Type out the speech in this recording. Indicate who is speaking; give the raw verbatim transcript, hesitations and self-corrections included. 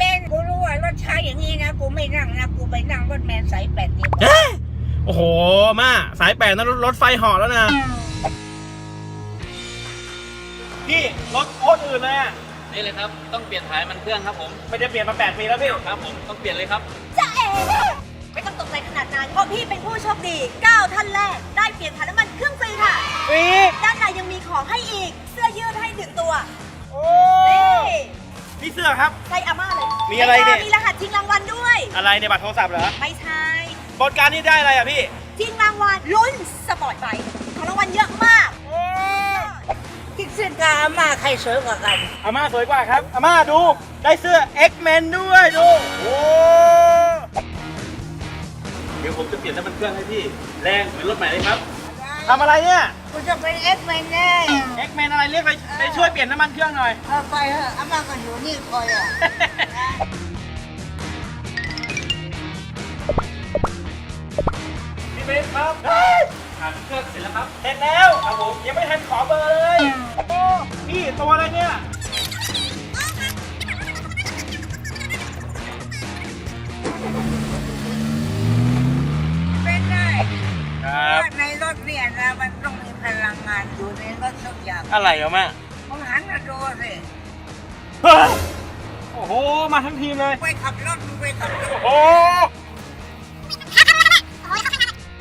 Speaker 1: เบนซ์กูรู้ว่ารถช้าอย่างนี้นะกูไม่นั่งนะกูไปนั่งรถแมนสายแปดดีกว่า
Speaker 2: โอ้โหมาสายแปดนั้นรถไฟเหาะแล้วนะพี่รถโคตรอื่นเลยอ่ะ
Speaker 3: นี่เลยครับต้องเปลี่ยนถ่ายมันเครื่องครับผม
Speaker 2: ไม่ได้เปลี่ยนมาแปดปีแล้วพี่
Speaker 3: ครับผมต้องเปลี่ยนเลยครับ
Speaker 4: จะเอ๋ไม่ต้องตกใจขนาดนั้นเพราะพี่เป็นผู้โชคดีเก้าท่านแรกได้เปลี่ยนถ่ายน้ำมันเครื่องฟรีค่ะ
Speaker 2: ฟรี
Speaker 4: ด้านในยังมีของให้อีกเสื้อยืดให้หนึ่งตัว
Speaker 2: โอ้
Speaker 4: นี่
Speaker 2: พี่เสื้อครับ
Speaker 4: ใส่อาม่าเลย
Speaker 2: มีอะไรเนี่ย
Speaker 4: มีรหัสชิงรางวัลด้วย
Speaker 2: อะไรในบัตรโทรศัพท์เหรอ
Speaker 4: ไม่ใช่
Speaker 2: บริการนี่ได้อะไรอ่ะพี่
Speaker 4: ชิงรางวัลลุ้นสปอร์ตไบค์ของรางวัลเยอะมาก
Speaker 1: คิดเส้นกาอาม่าใครสวยกว่ากัน
Speaker 2: อาม่าสวยกว่าครับอาม่าดูได้เสื้อ X-Men ด้วยดูโอ้เดี๋ยวผมจะเปลี่ยนน้ำมันเครื่องให้พี่แรงเหมือนรถใหม่เลยครับทำอะไรเนี่ย
Speaker 1: กูจะเป็นเอ็กแมนแน่
Speaker 2: X-Men อะไรเรียกไปไปช่วยเปลี่ยนน้ำมันเครื่องหน่อย
Speaker 1: เอาไปเถอะอาม่าก็อยู่นี่คอยอ่ะ
Speaker 2: พี่เบนครับ
Speaker 3: ถ่ายมันเครื่องเสร็จแล้วครับ
Speaker 2: เสร็จแล้วครับผมยังไม่ทันขอเบอร์เลยโอ้พี่ตัวอะไรเนี่ย
Speaker 1: เป็นได้
Speaker 2: ครับ
Speaker 1: ว่าในรถเนี่ยนะมันต้องมีพลังงานอยู่ในรถทุกอย่าง
Speaker 2: อะไรอ่ะแม่
Speaker 1: มึงหันมาดูสิ
Speaker 2: เฮ้ยโอ้โหมาทั้งทีมเลย
Speaker 1: ไปขับรถมึงไปขับรถ
Speaker 2: โอ้โห